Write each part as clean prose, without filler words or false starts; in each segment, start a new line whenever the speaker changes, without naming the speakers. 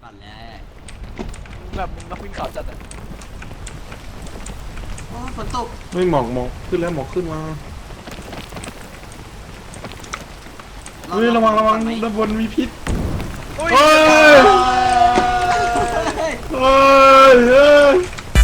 ก่อนแล้ว
แบบมึงนักวิ่งเขาจัดอ่ะ
โอ้ฝนตก
ไม่หมอกขึ้นแล้วหมอกขึ้นมาเฮ้ยระวังด้านบนมีพิษเฮ้ยเฮ้ย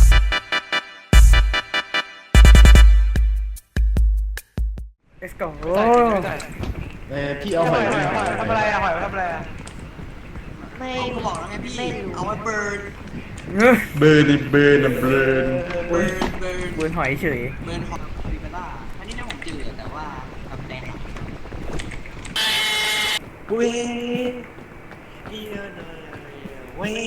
let's go
พี่เอาหอย
ทำอะไรอะหอยทำอะไรอะ
ไม่ก็บอกแล้วไงพี่เอาไว้เบิร์น
เบิร์น
เบิร์น
เบิร์นหอยเฉย
เบิร์นหอยคาปิบาร่าอันนี้นะผมเจอแต่ว่าทำแดง
เว้ยเว้ย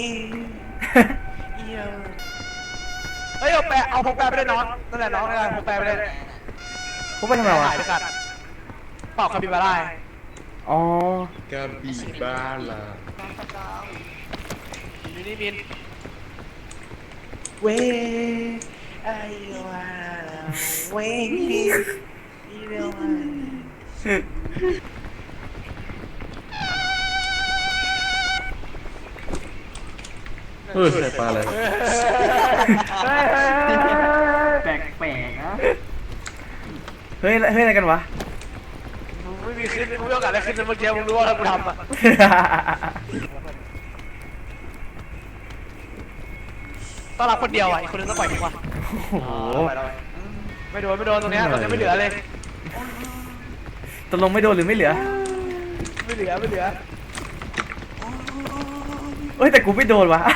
เฮ้ยเอาพกแปะไปเลยน้องนั่นแหละน้องนั่นแหละพกแปะไปเลยพกไปทำไมวะเป่าคาปิบาร่าอ๋อก
าบิบาลา
มินเว้ยไอ้วาเว้ยอีเดียว
เฮ้ยปลาอะไร
แปลกนะ
เฮ้ยอะไรกันวะไม่มีขึ้นไม่มีโอกาสได้ขึ้นเมื่อกี้มึงรู้ว่ากูทำอ่ะต้องรับคนเดียวอ่ะอีกคนนึงต้องปล่อยทิ้งว่ะโอ้โหไม่โดนตรงนี้ไม่เหลือเลยตกลงไม่โดนหรือไม่เหลือไม่เหลือเฮ้ยแต่กูไม่โดนวะ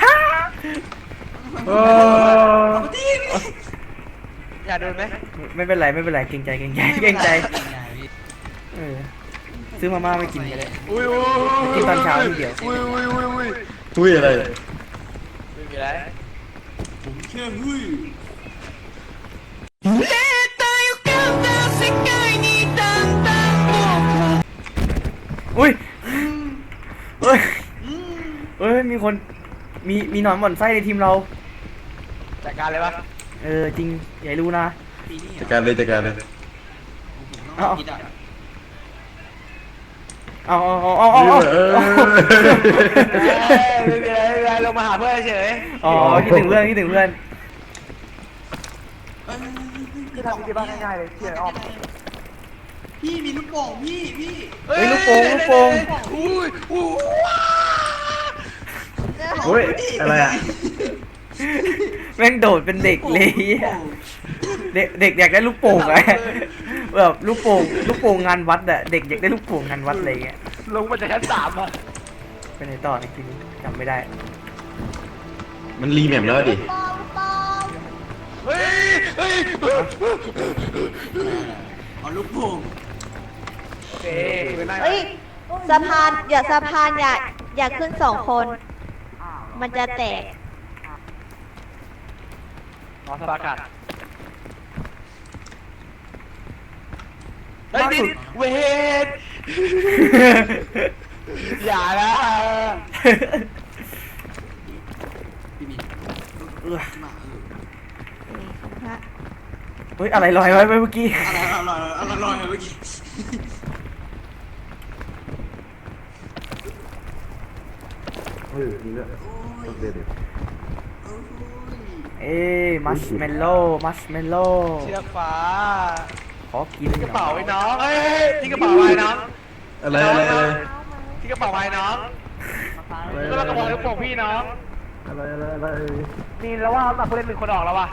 อย่าโดนไหมไม่เป็นไรเกรงใจซื้อมาม่าไม่กินกันเลยกินตอนเช้าทีเดียว
อุ้ยอะไร
ไม่มีอะไร
ผมแค่หุ้ย
อุ้ยมีคนมีหนอนบ่อนไส้ในทีมเราจัดการเลยปะจริงอย่ารู้นะ
จัดการเลย
เอาลงมาหาเพื่อนเฉยอ๋อคิดถึงเพื่อนที่ทำที่บ้านง่ายๆเลยเชื่ออ้อม
พี่มีลูกโป่งพี่
ลูกโป่ง
อุ้ยอะไรอ่ะ
แม่งโดดเป็นเด็กเลยเด็กอยากได้ลูกโป่งไงแบบลูกโป่งงานวัดอะเด็กอยากได้ลูกโป่งงานวัดอะไรเงี้ยลงมาจากชั้น3อะไปไหนต่ออีกทีนี้จำไม่ได้
มันรีแมปแล้วดิ
เฮ้ย
เอาลูกโป่ง
โอเค
เฮ้ยสะพานอย่าขึ้น2 คนมันจะแตก
รอสปาร์กัดเฮ้ยดิเวทอย่านะ
พี่มีมา
เฮ้ยอะไรลอยไว้เมื่อกี้
อะไรลอยเมื่อกี้
มัชเมลโล่เชือกฟ้าขอกินกระเป๋าไว้น้องที่กระเป๋าไว้น้อง
อะไร
ที่กระเป๋าไว้น้องก็เรากระเป๋าลูกโป่งพี่น้อง
อะไร
นี่แล้วว่าตัดผู้เล่น1 คนออกแล้วว่ะ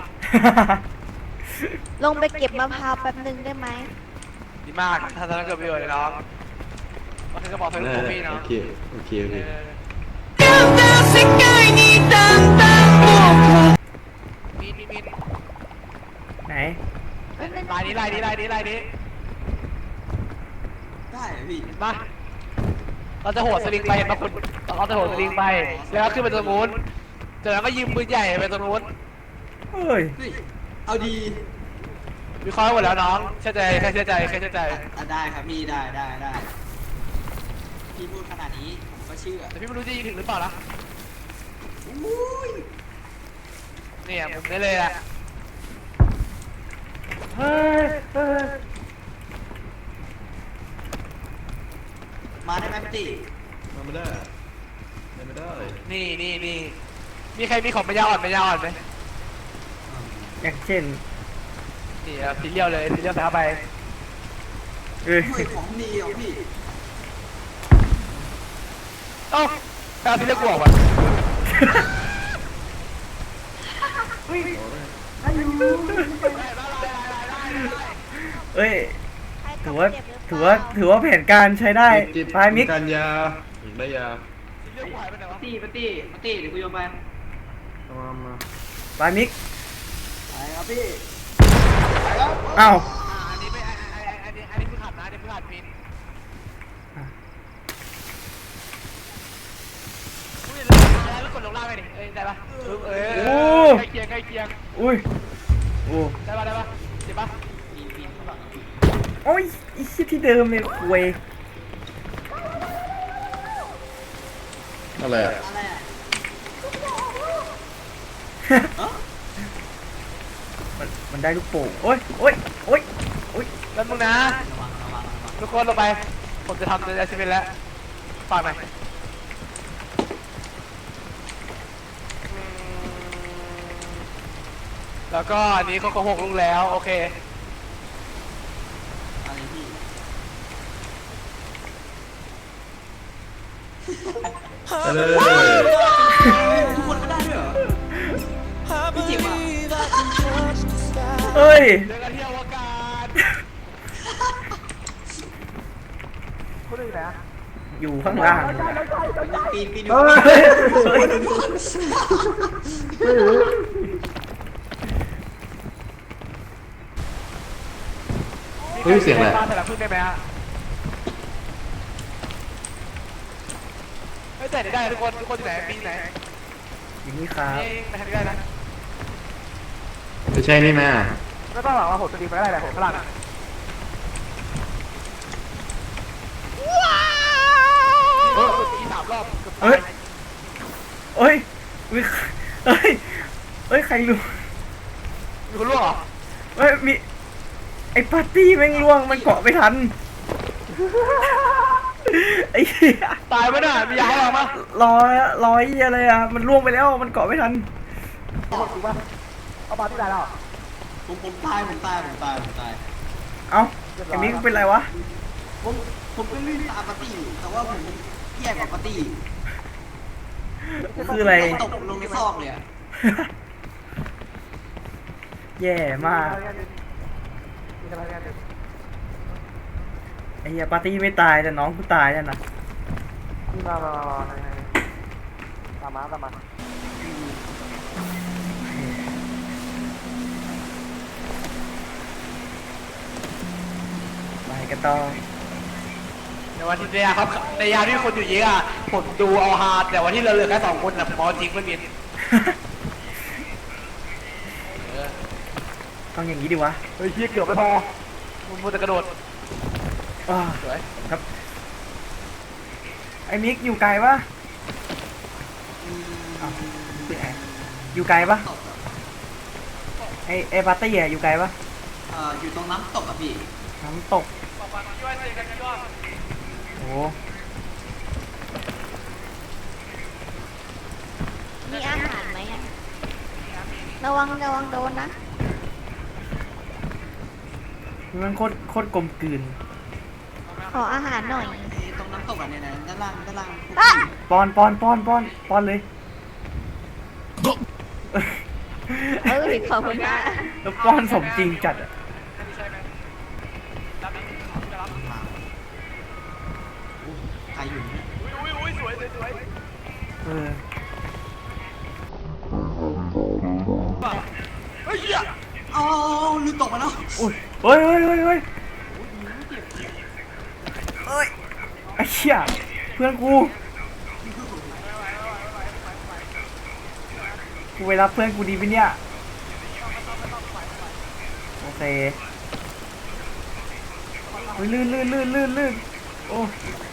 ลงไปเก็บมะพร้าวแป๊บนึงได้ไหม
ดีมากถ้าจะเกิดประโยชน์เลยน้องก็คือกระเป๋าลูกโป่งพี่น้อง
โอเค
มีไหนลายนี้
ได้พี่
มาเราจะโหดสลิงไปเห็นปะคุณเราจะโหดสลิงไปแล้วขึ้นไปตรงนู้นจากนั้นก็ยิงปืนใหญ่ไปตรงนู้นเฮ้ย
เอาดี
วิเคราะห์หมดแล้วน้องเชื่อใจได้
ครับพี่ได้พี่พูดขนาดนี้ผมก็เชื่อ
แต่พี่ไม่รู้จะยิงถึงหรือเปล่านะเนี่ยผมได้เลยอะเฮ้ย
มาได้ไหมพี่
มาไม่ได้ไม่ได้
นี่มีใครมีของปัญญาอ่อนไหม
อย่างเช่น
นี่ซีเรียลเลยซีเรียลแพ้ไป
เอ้ย
เฮ้ยของดีอ่ะพี่
เอ้าแพ้ซีเรียลกูออกวะ
เอ้ย
ใครต
ถื
ก
อว่า
เจ็บหรือเป
ถือ
ล่
ว่าถือว่าแผนการใช้ได้
จิต
พายมิก
การยาอยากได้ยา
ซีเรียลกูหายไปไหนวะ
ปาร์ตี้เดี๋ยวกูโยนไป
เอามา
พายมิก
ไปครับพี่
อ้าว
อันนี้ไม่อันนี้คือขาดนะอันนี้คือขาดพินอุ้ยแล้วกดลงล่างไปดิเอ้ยได้ปะใกล้เคียง
อุ้ยโอ้
ได้ปะเจ็บปะ
โอ้ยอีกที่เดิมเลยคุย
อะไรอ่ะ
อะไรอ่ะ
มันได้ลูกโป่งโอ้ยโอ้ยโอ้ยโอ้ย
แล้วมึงนะ
ระวัง
ทุกคนลงไปผมจะทำในอาชีพแล้วฝากหน่อยแล้วก็อันนี้เขาก็6 ลูกแล้วโอเค
อะไรพี่
ไปเลย
ทุกคนก็ได้ด้วยเหรอพี่จิ๋วอ่ะ
เอ้ย
เจอกันที่อวกาศคุณอยู่ไหนอะ
อยู่ข้างล่าง
ปีน
เฮ้ย
เฮ้ย
เฮ้ยเสียงอะไร
บ้านแต่ละพึ่งได้ไหมฮะเฮ้ยแต่ได้ทุกคนอยู่ไหนปีไหน
อย่างนี้ครับ
นี่ไปทางนี้ได้นะ
ไม่ใช่นี่นะ
ไม่ต้องหรอกว่าผมจะดีไปก็ได้แหละผมพลาดอะอี3 รอบเกือบตา
เอ้ยเอ้ยมีเอ้ยเอ้ยใครรู้
มีคนร่วงเหรอ
เอ้ยมีไอ้ปาร์ตี้แม่งล่วงมันเกาะไม่ทันไอ้เหี้ย
ตายไหมน่ะมียาหรอมั้ย
ร้อยเหี้ยอะไรอ่ะมันล่วงไปแล้วมันเกาะไม่ทัน
ถูกป่ะเอาปาที่ไหนแล้ว
ผมตาย
เอ้าไอ้มิกเป็นไรวะ
ผมก็ลื่นตามปาร์ตี้แต่ว่าผมแย่กว่าปาร์ตี้
คืออะไร
ตกลงในซอกเลยอ่ะ
แย่มากไอ้เหี้ยปาร์ตี้ไม่ตายแต่น้องกูตายแล้วนะ
ตามมา
ไปกันต่อ
ในวันที่เนี่ยครับในยามที่คนอยู่เยอะอ่ะผมดูเอาฮาแต่วันที่เราเหลือแค่2 คนนะผมเอาจริงไม่บิน
ต้องอย่างนี้ดิวะ
เฮ้ยเชี่ยเกือบไม่พอมึงมัวแต่กระโดด
อ้า
สวย
ครับไอ้มิกอยู่ไกลปะอ้าวพี่แอร์อยู่ไกลปะไอ้ปาร์ตี้อะอยู่ไกลปะ
อยู่ตรงน้ำตกอ่ะพี่
น้ำตกโอ้
มีอาหารไหมอะระวังโดนนะ
มันโคตรกลมกลืน
ขออาหารหน่อย
ตรงน้ำตกอ่ะเนี่ยนะด้านล่าง
อ่ะ
ปอนเลย
ขอบคุณนะ
แล้วป้อนสมจริงจัดอะ
ใครอยู่เนี่ย
อุ้ยสวย
เออ
เฮ้ยเหี้ย
เอาลืมตกมาแล้ว
อุ้ยเฮ้ยเฮ้ยไอ้เชี่ยเพื่อนกูไปรับเพื่อนกูดีปะเนี่ยโอเคเฮ้ยลื่นโอ้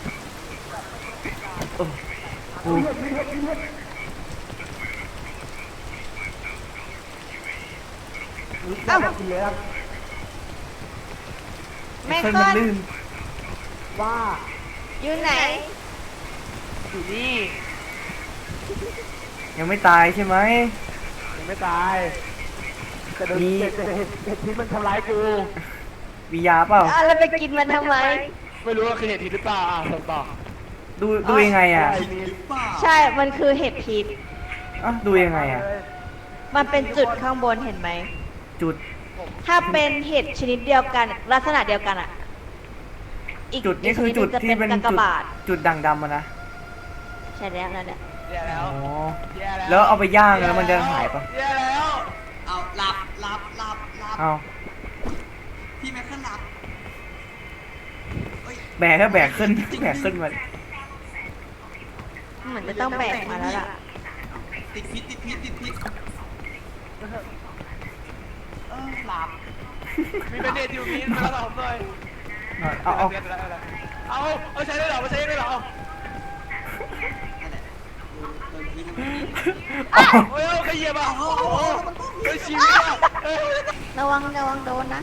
โอ้
เอ้าแม่
เพื่อน
ก้
มั
อน น
ลื่น
ว่า
อยู่ไหน
อยู่นี่
ยังไม่ตายใช่ไหม
ยังไม่ตายแต่เห็ดพิษมันทำร้ายกู
มียาเปล่า
แล้วไปกินมันทำไม
ไม่รู้ว่าคือเห็ดพิษหรือเปล่าส่งต่อ
ดูยังไงอ่ะ
หรือเปล่า
ใช่ มันคือเห็ดพิษ
ดูยังไงอ่ะ
มันเป็นจุดข้างบนเห็นไหม
จุด
ถ้าเป็นเห็ดชนิดเดียวกัน ลักษณะเดียวกันอ่ะ
จุดนี่คือจุดที่เป็น
กาก
จุด
บาท
จุดด่างดำอะนะ
ใช่แล้วนั่นแหละ
แย่แล้ว
อ๋อ
แย่แล้ว
แล้วเอาไปย่างแล้วมันจะหายปะ
แย่แล้ว
เอาหลับ
เอา
พี่แม็กซ์ขึ้นหลับเอ้ย
แบกก็แบกขึ้นแบกขึ้นมา
เหมือนจะต้องแบกมาแล้วล่ะ
ติดพิษหลับ
มีเป็นเดทอยู่มีมาแล้วผมหน่อย
เอา
เอาใช้ได้เหรอไม่ใช้ได้เหรอ
นั่นแหละโดนพิษ
โอ้ยขยี้ป่ะโอ้โหเฮ้ยชีวิตอ่ะ
ระวังโดนนะ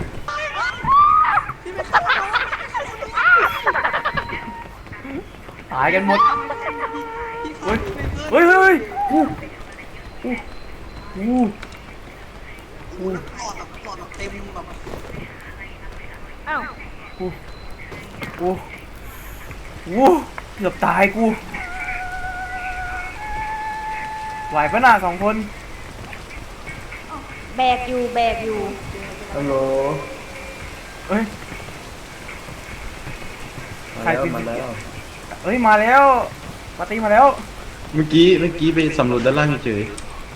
ตายกันหมด
พี่
เฮ้ย
เฮ้ย
เฮ้ยอู้
หลอดแบบเต็มแบบ
อ้าว
เกือบตายกูไหวปะน่ะสองคน
แบกอยู่
ฮัลโหล
เอ้ย
มาแล้วมาแล้ว
เอ้ยมาแล้วปาร์ตี้มาแล้ว
เมื่อกี้ไปสำรวจด้านล่างเฉย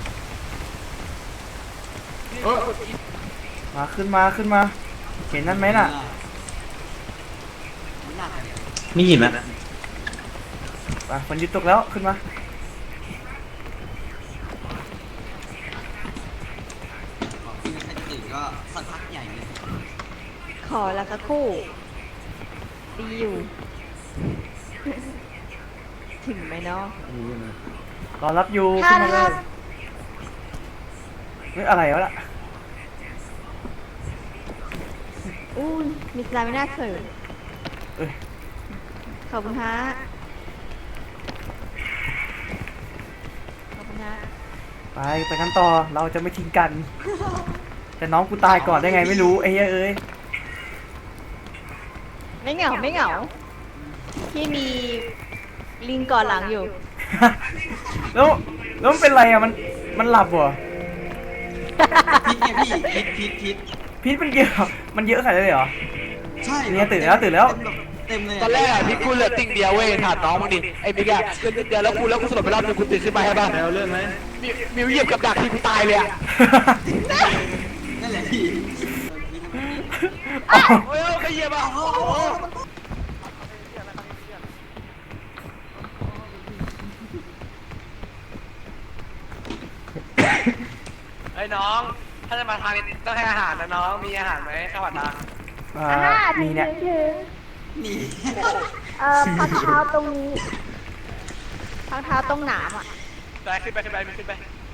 มาขึ้นมาเห็นนั่นไหมน่ะ
มันหนักเนี่ย
ๆนี่เห็นนะ
ไปฝนหยุดตกแล้วขึ้นมา
พี่แม็กซ์จะตื่นก็สักพักใหญ่เลย
ขอละสักครู่ดีอยู่ ถึงไหมเนาะ
รอรับอยู่
ถ้า
ขึ้นมาเลยเฮ้ยอะไรวะล่ะ
อู้ยมีสไลด์ไม่น่าเขิน
เอ้ย
ขอบคุณฮะขอบคุณฮะ
ไปกันต่อเราจะไม่ทิ้งกัน แต่น้องกูตายก่อนได้ไงไม่รู้ไอ้เหี้ยเอ้ย
ไม่เหงาที่มีลิงก่อนหลังอยู่
แล้วมันเป็นไรอ่ะมันหลับเหรอ
พิษไงพี่พิษ
พิษมันเยอะมันเยอะขนาดนั้นเลยเหรอ
ใช่
เนี่ยตื่นแล้ว
เต็มเลย
ตอนแรกพี่กูเหลือติ่งเดียวเว้ยถามน้องมึงดิไอ้บิ๊กอะเหลือติ่งเดียวแล้วกูสลบไปรอบนึงกูตื่นขึ้นมาให้บ้าน
แล้วเลื่อนไหม
มิวเหยียบกับดักที่กูตายเลยอะ
นั่นแหละพี่
โอ้ยขยี้ป่ะโอ้โหไอ้น้องถ้าจะมาทางนี้ต้องให้อาหารนะน้องมีอาหารไหมข้าวผัดดัง
มีเนี่ย
นี่
พักเท้าตรงนี้พักเท้าตรงหนามอ่ะ
ไปขึ้นไปมีขึ้นไป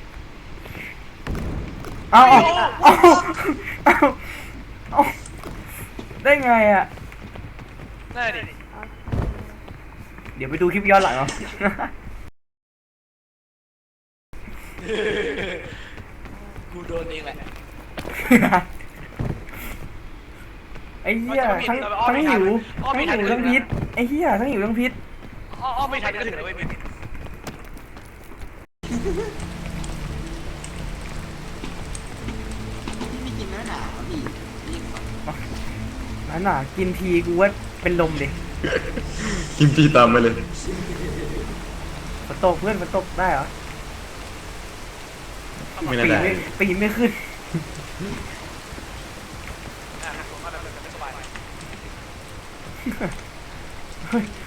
เอาได้ไงอ่ะ
นั่นดิ
เดี๋ยวไปดูคลิปย้อนหลังเอา
กูโดนเองแหละ
ไอ้เหี้ยทั้งหิวทั้งพิษไอ้เหี้ยทั้งหิวทั้งพิษ
อ้อไม่ทันก็ถึงแล้วเว้ยมึง
พี่ไม่กินแม่หนาวพี่นี่ก่อน
นั่นน่ะกินทีกูว่าเป็นลมดิ
กินพี่ตามไปเลย
ฝนตกเพื่อนฝนตกได้เหรอ
ไม่น่าได้
ปีนไม่ขึ้น
ผมว่าแบบไม่สบาย
เฮ้ย